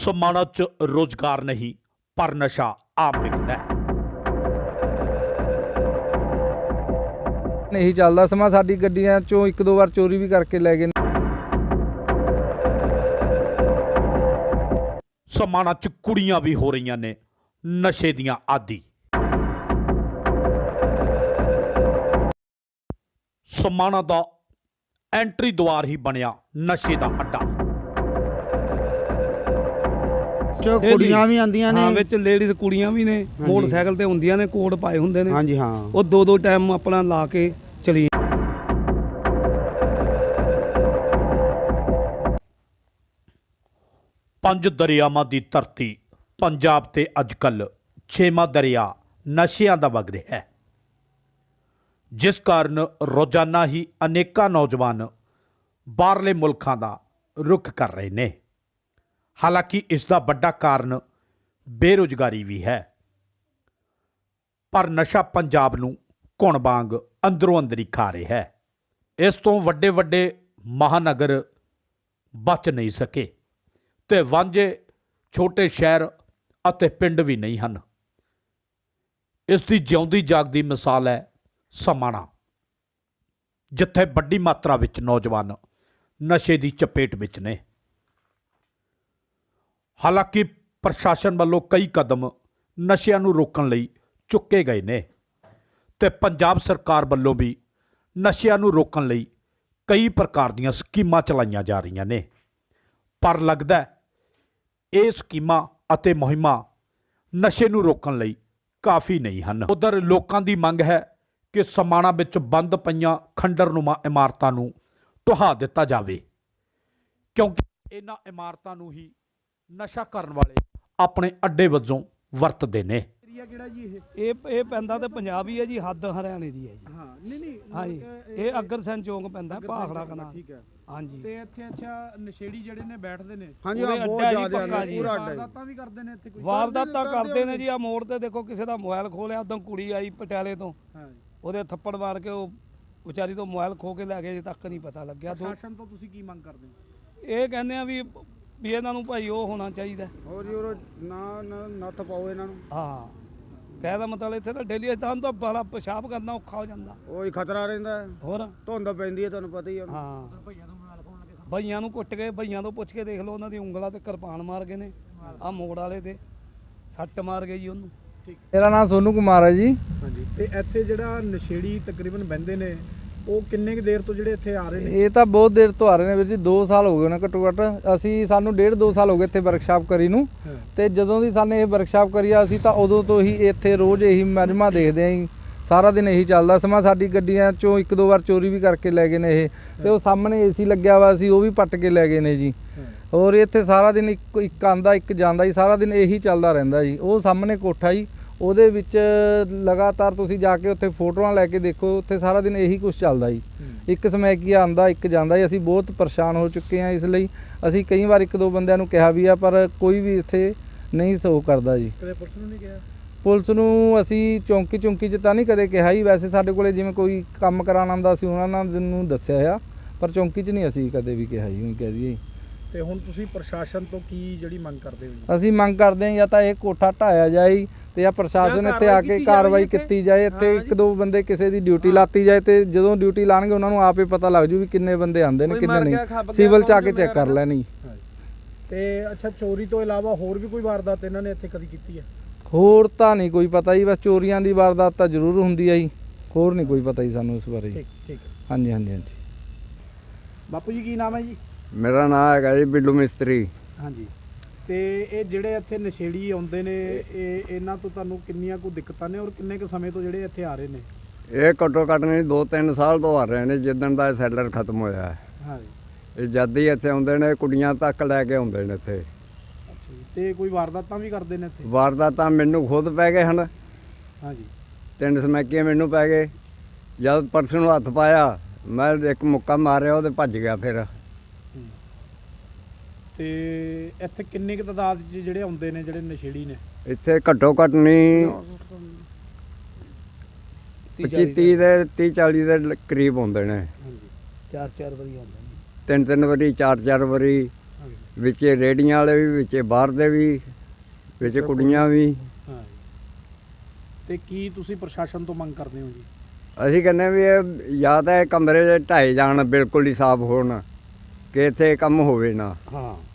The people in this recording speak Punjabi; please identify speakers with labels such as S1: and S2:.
S1: समाना च रोजगार नहीं पर नशा आम बिकता है।
S2: नहीं चलता समा साडी गड्डियां चों एक दो बार चोरी भी करके ले गए।
S1: समाना च कुड़ियां भी हो रही ने नशे दियां आदी। समाना दा एंट्री द्वार ही बनया नशे दा अड्डा।
S3: ਚ ਕੁੜੀਆਂ ਵੀ ਆਂਦੀਆਂ ਨੇ
S4: ਹਾਂ ਵਿੱਚ ਲੇਡੀਜ਼ ਕੁੜੀਆਂ ਵੀ ਨੇ ਮੋਟਰਸਾਈਕਲ ਤੇ ਹੁੰਦੀਆਂ ਨੇ ਕੋਟ ਪਾਏ ਹੁੰਦੇ ਨੇ
S3: ਹਾਂਜੀ ਹਾਂ
S4: ਉਹ ਦੋ ਦੋ ਟਾਈਮ ਆਪਣਾ ਲਾ ਕੇ ਚਲੀ।
S1: पंज दरियावां दी धरती पंजाब ते अजकल छेवां दरिया नशियां दा वग रहा है, जिस कारण रोजाना ही अनेका नौजवान बाहरले मुल्कां दा रुख कर रहे ने। हालांकि इसका बड़ा कारण बेरोजगारी भी है, पर नशा पंजाब नूं घुण वांग अंदरों अंदरी खा रहा है। इस तो वड्डे वड्डे महानगर बच नहीं सके ते वांझे छोटे शहर अते पिंड भी नहीं हैं। इसकी जिउंदी जागदी मिसाल है समाना, जिथे बड़ी मात्रा विच नौजवान नशे की चपेट विच ने। हालांकि प्रशासन वालों कई कदम नशियां नूं रोकण लई चुके गए ने ते पंजाब सरकार वालों भी नशियां नूं रोकण लई कई प्रकार दीयां स्कीमां चलाईयां जा रही ने, पर लगदा है ये स्कीमां अते मुहिमां नशे नूं रोकण लई काफ़ी नहीं हैं। उधर लोकां दी मंग है कि समाना विच बंद पईयां खंडरनुमा इमारतां नूं ढहा दिता जावे, क्योंकि इन्हां इमारतां नूं ही नशा करन वाले अपने अड्डे वजों वरतदे ने।
S4: ਇਹ ਪੈਂਦਾ ਤੇ ਪੰਜਾਬ ਹੀ ਹੈ ਜੀ, ਹੱਦ ਹਰਿਆਣੇ ਦੀ ਹੈ ਜੀ।
S3: ਹਾਂ ਨਹੀਂ
S4: ਹਾਂ ਜੀ ਇਹ ਅਗਰਸੈਨ ਚੌਂਕ ਪੈਂਦਾ ਭਾਖੜਾ ਕਨਾ।
S3: ਠੀਕ ਹੈ
S4: ਹਾਂਜੀ
S5: ਤੇ ਇੱਥੇ ਅੱਛਾ ਨਸ਼ੇੜੀ ਜਿਹੜੇ ਨੇ ਬੈਠਦੇ ਨੇ
S3: ਹਾਂਜੀ
S4: ਉਹਦੇ
S3: ਹਾਂ ਬਹੁਤ
S4: ਅੱਡਾ ਜੀ
S3: ਜ਼ਿਆਦਾ
S4: ਪੱਕਾ
S3: ਨੇ
S4: ਜੀ।
S3: ਪੂਰਾ ਅੱਡਾ
S5: ਵਾਰਦਾਤਾਂ ਵੀ ਕਰਦੇ ਨੇ ਇੱਥੇ ਕੋਈ
S4: ਵਾਰਦਾਤਾਂ ਕਰਦੇ ਨੇ ਜੀ। ਆ ਮੋੜ ਤੇ ਦੇਖੋ ਕਿਸੇ ਦਾ ਮੋਬਾਈਲ ਖੋਲਿਆ, ਉਦੋਂ ਕੁੜੀ ਆਈ ਪਟਿਆਲੇ ਤੋਂ,
S5: ਹਾਂ
S4: ਉਹਦੇ ਥੱਪੜ ਮਾਰ ਕੇ ਉਹ ਵਿਚਾਰੀ ਤੋਂ ਮੋਬਾਈਲ ਖੋ ਕੇ ਲੈ ਗਏ, ਅਜੇ ਤੱਕ ਨਹੀਂ ਪਤਾ ਲੱਗਿਆ।
S5: ਪ੍ਰਸ਼ਾਸਨ ਤੋਂ ਤੁਸੀਂ ਕੀ ਮੰਗ ਕਰਦੇ ਹੋ?
S4: ਇਹ ਕਹਿੰਦੇ ਆ ਵੀ ਇਹਨਾਂ ਨੂੰ ਭਾਈ ਉਹ ਹੋਣਾ ਚਾਹੀਦਾ।
S3: ਹੋਰ ਜੀ ਹੋਰ ਨਾ ਨੱਥ ਪਾਓ ਇਹਨਾਂ ਨੂੰ।
S4: ਹਾਂ ਕਹਿਦਾ ਮਤਲਬ ਇੱਥੇ ਤਾਂ ਡੇਲੀ ਤਾਂ ਤਾਂ ਬੜਾ ਪਿਸ਼ਾਬ ਕਰਨਾ ਔਖਾ ਹੋ ਜਾਂਦਾ।
S3: ਉਹ ਹੀ ਖਤਰਾ ਰਹਿੰਦਾ ਹੈ,
S4: ਹੋਰ
S3: ਧੁੰਦ ਪੈਂਦੀ ਹੈ ਤੁਹਾਨੂੰ ਪਤਾ ਹੀ ਹੈ।
S4: ਹਾਂ ਭਈਆਂ ਨੂੰ ਕੁੱਟ ਕੇ, ਭਈਆਂ ਤੋਂ ਪੁੱਛ ਕੇ ਦੇਖ ਲਓ, ਉਹਨਾਂ ਦੀ ਉਂਗਲਾਂ ਤੇ ਕਿਰਪਾਨ ਮਾਰ ਗਏ ਨੇ। ਆ ਮੋੜ ਵਾਲੇ ਤੇ ਸੱਟ ਮਾਰ ਗਏ ਜੀ ਉਹਨੂੰ।
S2: मेरा नाम सोनू कुमार है जी।
S5: ਹਾਂਜੀ ਤੇ ਇੱਥੇ ਜਿਹੜਾ ਨਸ਼ੇੜੀ ਤਕਰੀਬਨ ਬਹਿੰਦੇ ਨੇ ਉਹ ਕਿੰਨੇ ਕੁ ਦੇਰ ਤੋਂ ਜਿਹੜੇ ਇੱਥੇ ਆ ਰਹੇ ਨੇ?
S2: ਇਹ ਤਾਂ ਬਹੁਤ ਦੇਰ ਤੋਂ ਆ ਰਹੇ ਨੇ ਵੀਰ ਜੀ, 2 ਸਾਲ ਹੋ ਗਏ ਨੇ ਘੱਟੋ ਘੱਟ। ਅਸੀਂ ਸਾਨੂੰ 1.5-2 ਸਾਲ ਹੋ ਗਏ ਇੱਥੇ ਵਰਕਸ਼ਾਪ ਕਰੀ ਨੂੰ, ਤੇ ਜਦੋਂ ਦੀ ਸਾਨੇ ਇਹ ਵਰਕਸ਼ਾਪ ਕਰੀ ਆ ਅਸੀਂ ਤਾਂ ਉਦੋਂ ਤੋਂ ਹੀ ਇੱਥੇ ਰੋਜ਼ ਇਹੀ ਮਜਮਾ ਦੇਖਦੇ ਆਂ ਜੀ। ਸਾਰਾ ਦਿਨ ਇਹੀ ਚੱਲਦਾ ਸਮਾਂ। ਸਾਡੀ ਗੱਡੀਆਂ ਚੋਂ 1-2 ਵਾਰ ਚੋਰੀ ਵੀ ਕਰਕੇ ਲੈ ਗਏ ਨੇ ਇਹ, ਤੇ ਉਹ ਸਾਹਮਣੇ ਏਸੀ ਲੱਗਿਆ ਵਾ ਸੀ ਉਹ ਵੀ ਪੱਟ ਕੇ ਲੈ ਗਏ ਨੇ ਜੀ। ਔਰ ਇੱਥੇ ਸਾਰਾ ਦਿਨ ਇੱਕ ਆਂਦਾ ਇੱਕ ਜਾਂਦਾ ਜੀ, ਸਾਰਾ ਦਿਨ ਇਹੀ ਚੱਲਦਾ ਰਹਿੰਦਾ ਜੀ। ਉਹ ਸਾਹਮਣੇ ਕੋਠਾ ਜੀ, ਉਹਦੇ ਵਿੱਚ ਲਗਾਤਾਰ ਤੁਸੀਂ ਜਾ ਕੇ ਉੱਥੇ ਫੋਟੋਆਂ ਲੈ ਕੇ ਦੇਖੋ, ਉੱਥੇ ਸਾਰਾ ਦਿਨ ਇਹੀ ਕੁਝ ਚੱਲਦਾ ਜੀ। ਇੱਕ ਸਮੈਕੀਆ ਆਂਦਾ ਇੱਕ ਜਾਂਦਾ ਜੀ। ਅਸੀਂ ਬਹੁਤ ਪਰੇਸ਼ਾਨ ਹੋ ਚੁੱਕੇ ਹਾਂ, ਇਸ ਲਈ ਅਸੀਂ ਕਈ ਵਾਰ 1-2 ਬੰਦਿਆਂ ਨੂੰ ਕਿਹਾ ਵੀ ਆ, ਪਰ ਕੋਈ ਵੀ ਇੱਥੇ ਨਹੀਂ ਸੋ ਕਰਦਾ ਜੀ।
S5: ਕਦੇ ਪੁਲਿਸ ਨੂੰ ਨਹੀਂ ਕਿਹਾ?
S2: ਪੁਲਿਸ ਨੂੰ ਅਸੀਂ ਚੌਂਕੀ 'ਚ ਤਾਂ ਨਹੀਂ ਕਦੇ ਕਿਹਾ ਜੀ। ਵੈਸੇ ਸਾਡੇ ਕੋਲੇ ਜਿਵੇਂ ਕੋਈ ਕੰਮ ਕਰਾਉਣ ਆਉਂਦਾ ਸੀ ਉਹਨਾਂ ਨੂੰ ਦੱਸਿਆ ਆ, ਪਰ ਚੌਂਕੀ 'ਚ ਨਹੀਂ ਅਸੀਂ ਕਦੇ ਵੀ ਕਿਹਾ ਜੀ। ਕਹਿ ਦਈਏ
S5: ਤੇ ਹੁਣ ਤੁਸੀਂ ਪ੍ਰਸ਼ਾਸਨ ਤੋਂ ਕੀ ਜਿਹੜੀ ਮੰਗ ਕਰਦੇ ਹੋ?
S2: ਅਸੀਂ ਮੰਗ ਕਰਦੇ ਹਾਂ ਜਾਂ ਤਾਂ ਇਹ ਕੋਠਾ ਢਾਇਆ ਜਾਏ ਤੇ ਜਾਂ ਪ੍ਰਸ਼ਾਸਨ ਇੱਥੇ ਆ ਕੇ ਕਾਰਵਾਈ ਕੀਤੀ ਜਾਏ। ਇੱਥੇ 1-2 ਬੰਦੇ ਕਿਸੇ ਦੀ ਡਿਊਟੀ ਲਾਤੀ ਜਾਏ, ਤੇ ਜਦੋਂ ਡਿਊਟੀ ਲਾਣਗੇ ਉਹਨਾਂ ਨੂੰ ਆਪੇ ਪਤਾ ਲੱਗ ਜੂ ਵੀ ਕਿੰਨੇ ਬੰਦੇ ਆਉਂਦੇ ਨੇ ਕਿੰਨੇ ਨਹੀਂ। ਸਿਵਲ 'ਚ ਆ ਕੇ ਚੈੱਕ ਕਰ ਲੈਣੀ।
S5: ਤੇ ਅੱਛਾ ਚੋਰੀ ਤੋਂ ਇਲਾਵਾ ਹੋਰ ਵੀ ਕੋਈ ਵਾਰਦਾਤ ਇਹਨਾਂ ਨੇ ਇੱਥੇ ਕਦੀ ਕੀਤੀ ਹੈ?
S2: ਹੋਰ ਤਾਂ ਨਹੀਂ ਕੋਈ ਪਤਾ ਜੀ, ਬਸ ਚੋਰੀਆਂ ਦੀ ਵਾਰਦਾਤ ਤਾਂ ਜ਼ਰੂਰ ਹੁੰਦੀ ਹੈ ਜੀ, ਹੋਰ ਨਹੀਂ ਕੋਈ ਪਤਾ ਜੀ ਸਾਨੂੰ ਇਸ ਬਾਰੇ।
S5: ਠੀਕ
S2: ਹਾਂਜੀ।
S5: ਬਾਪੂ ਜੀ ਕੀ ਨਾਮ ਹੈ ਜੀ?
S3: ਮੇਰਾ ਨਾਮ ਹੈਗਾ ਜੀ ਬਿੱਲੂ ਮਿਸਤਰੀ।
S5: ਹਾਂਜੀ ਤੇ ਇਹ ਜਿਹੜੇ ਇੱਥੇ ਨਸ਼ੇੜੀ ਆਉਂਦੇ ਨੇ ਇਹਨਾਂ ਤੋਂ ਤੁਹਾਨੂੰ ਕਿੰਨੀਆਂ ਕੁ ਦਿੱਕਤਾਂ ਨੇ, ਔਰ ਕਿੰਨੇ ਕੁ ਸਮੇਂ ਤੋਂ ਜਿਹੜੇ ਇੱਥੇ ਆ ਰਹੇ ਨੇ?
S3: ਇਹ ਘੱਟੋ ਘੱਟ ਨਹੀਂ 2-3 ਸਾਲ ਤੋਂ ਆ ਰਹੇ ਨੇ, ਜਿੱਦਣ ਦਾ ਸੈਲਰ ਖਤਮ ਹੋਇਆ ਹੈ।
S5: ਹਾਂਜੀ
S3: ਇਹ ਜਦ ਹੀ ਇੱਥੇ ਆਉਂਦੇ ਨੇ, ਕੁੜੀਆਂ ਤੱਕ ਲੈ ਕੇ ਆਉਂਦੇ ਨੇ ਇੱਥੇ।
S5: ਅੱਛਾ ਜੀ ਤੇ ਕੋਈ ਵਾਰਦਾਤਾਂ ਵੀ ਕਰਦੇ ਨੇ ਇੱਥੇ?
S3: ਵਾਰਦਾਤਾਂ ਮੈਨੂੰ ਖੁਦ ਪੈ ਗਏ ਹਨ।
S5: ਹਾਂਜੀ
S3: 3 ਸਮੈਕੀਆਂ ਮੈਨੂੰ ਪੈ ਗਏ। ਜਦ ਪਰਸ ਨੂੰ ਹੱਥ ਪਾਇਆ ਮੈਂ ਇੱਕ ਮੁੱਕਾ ਮਾਰਿਆ, ਉਹਦੇ ਭੱਜ ਗਿਆ। ਫਿਰ
S5: ਤੇ ਇੱਥੇ ਕਿੰਨੇ ਕੁ ਤਾਦਾਦ 'ਚ ਜਿਹੜੇ ਆਉਂਦੇ ਨੇ ਜਿਹੜੇ ਨਸ਼ੇੜੀ ਨੇ?
S3: ਇੱਥੇ ਘੱਟੋ ਘੱਟ ਨਹੀਂ 25-30 ਦੇ 30-40 ਦੇ ਕਰੀਬ ਹੁੰਦੇ ਨੇ।
S5: ਹਾਂਜੀ
S4: 4-4 ਵਾਰੀ ਆਉਂਦੇ ਨੇ।
S3: 3-3 ਵਾਰੀ 4-4 ਵਾਰੀ ਵਿੱਚੇ ਰੇੜੀਆਂ ਵਾਲੇ ਵੀ, ਵਿੱਚੇ ਬਾਹਰ ਦੇ ਵੀ, ਵਿੱਚ ਕੁੜੀਆਂ ਵੀ।
S5: ਹਾਂ ਤੇ ਕੀ ਤੁਸੀਂ ਪ੍ਰਸ਼ਾਸਨ ਤੋਂ ਮੰਗ ਕਰਦੇ ਹੋ ਜੀ?
S3: ਅਸੀਂ ਕਹਿੰਦੇ ਵੀ ਇਹ ਜਾਂ ਤਾਂ ਇਹ ਕਮਰੇ ਦੇ ਢਾਏ ਜਾਣ, ਬਿਲਕੁਲ ਹੀ ਸਾਫ਼ ਹੋਣ, ਕਿ ਇੱਥੇ ਕੰਮ ਹੋਵੇ ਨਾ।
S4: ਹਾਂ